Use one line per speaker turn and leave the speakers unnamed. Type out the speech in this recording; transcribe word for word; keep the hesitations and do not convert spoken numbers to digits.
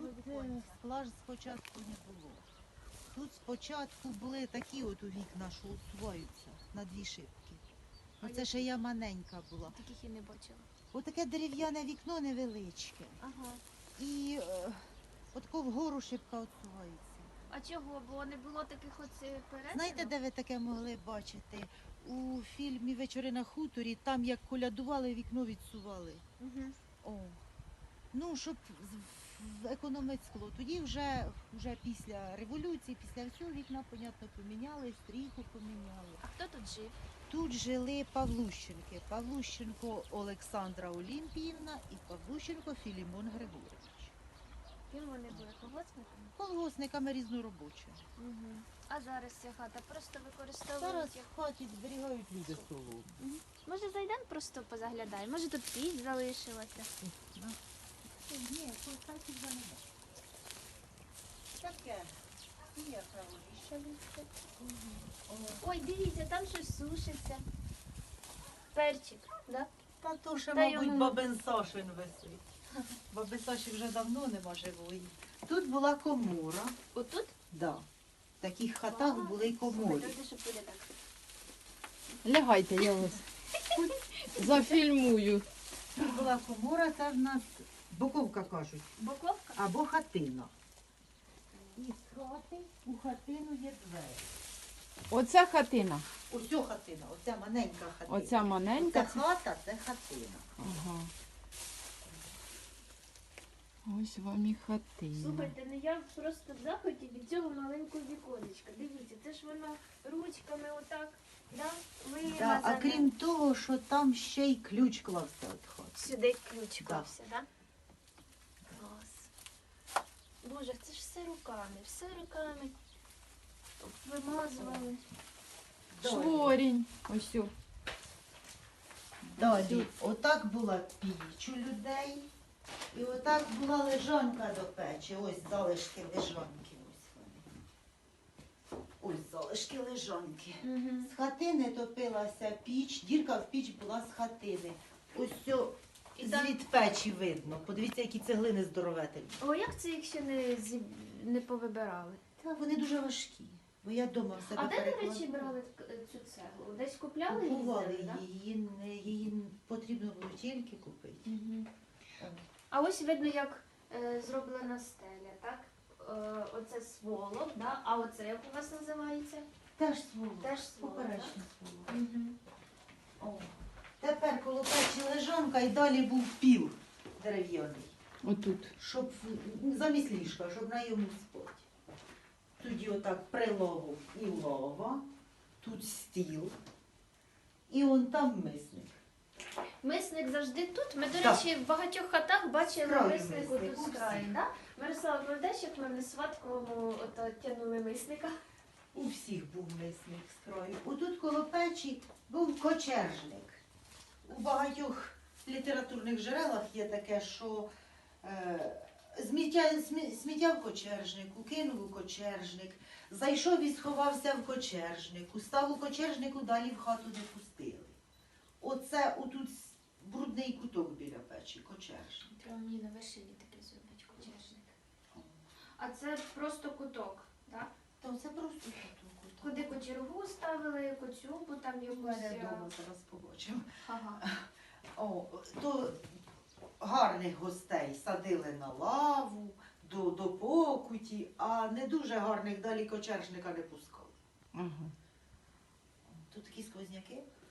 е, скла ж спочатку не було. Тут спочатку були такі от у вікна, що усуваються на дві шибки.
А
Оце ще я маленька була.
Таких і не бачила.
Отаке дерев'яне вікно невеличке.
Ага.
І е, отако вгору шибка відсувається.
А чого? Бо не було таких оце перетинок?
Знаєте, де ви таке могли бачити? У фільмі «Вечори на хуторі», там як колядували, вікно відсували.
Угу.
О. Ну, щоб з- в- економити скло. Тоді вже, вже після революції, після всього вікна, понятно, поміняли, стріху поміняли.
А хто тут жив?
Тут жили Павлущенки. Павлущенко Олександра Олімпіївна і Павлущенко Філімон Григорович.
Ким вони були? Колгоспниками?
Колгоспниками різноробочими.
Угу. А зараз ця хата просто використовують
Зараз
як...
в хаті зберігають люди столу.
Мгм. Може зайдемо просто позаглядаємо? Може тут піч залишилася?
Ні, тут хаті вже не буде. Таке. Є праволіше листя.
Ой, дивіться, там щось сушиться. Перчик, да?
Та то ще,
Та
мабуть,
йому-
бабин Сашин висить. Баби Саші вже давно нема живої. Тут була комора.
Отут?
Да. В таких хатах
Ага.
були й комори.
Слухайте, що буде так.
Лягайте, я вас зафільмую.
Тут була комора, це в нас боковка кажуть,
Боковка?
або хатина. І з хати у хатину є двері.
Оця хатина.
Ось ця хатина, оця маленька хатина.
Оця
Це
маленька.
хата, це хатина.
Ага. Ось вам і хатина.
Слухайте, ну я просто в захваті від цього маленького віконечка. Дивіться, це ж воно ручками отак, да?
Да, а
Вимазане.
крім того, що там ще й ключ клався від хати.
Сюди ключ
Да.
клався, да? Клас. Боже, це ж все руками, все руками. Вимазували.
Шворінь. Ось. о.
Далі, отак була піч у людей, і отак була лежанка до печі. Ось залишки лежанки. Ось вони. Ось залишки лежанки.
Угу.
З хатини топилася піч, дірка в піч була з хатини. Ось цьо
І там-
звід печі видно. Подивіться, які цеглини здоровительні.
О, як це їх ще не, зі... не повибирали?
Та вони дуже важкі. Бо я вдома в себе
А де, до
перекладала.
речі, брали к- цю цеглу? Десь купляли і
Купували
їздили, да?
її, не- її потрібно було тільки купити.
Мгм.
О.
А ось видно, як е, зроблена стеля, так? Е, оце сволок, да? А оце як у вас називається?
Теж сволок.
Теж сволок,
Поперечний сволок.
Угу.
О. Тепер коло печі лежанка і далі був піл дерев'яний,
Отут.
щоб в- замість ліжка, щоб на йому спати. Тоді отак прилогу і лова, тут стіл, і он там мисник.
Мисник завжди тут. Ми, до
Так.
речі, в багатьох хатах бачили
З краю
миснику
мисник,
тут
у
з краю,
всіх.
да? Мирослава, пам'ятаєш, як ми на сватковому ото тягнули мисника?
У всіх був мисник з краю. Отут коло печі був кочержник. У багатьох літературних джерелах є таке, що е, сміття, смі- сміття в кочержнику, кинув у кочержник, зайшов і сховався в кочержнику, став у кочержнику, далі в хату не пустили. Оце отут с- брудний куток біля печі, кочержник.
Треба мені на вершині таке зробити кутяжник. А це просто куток, так?
Та це просто куток.
Куди кочергу ставили, коцюбу там
У
якусь.
мене
а,
вдома зараз побачимо.
Ага.
О, то гарних гостей садили на лаву, до, до покуті, а не дуже гарних далі кочержника не пускали.
Ага.
Тут такі сквозняки.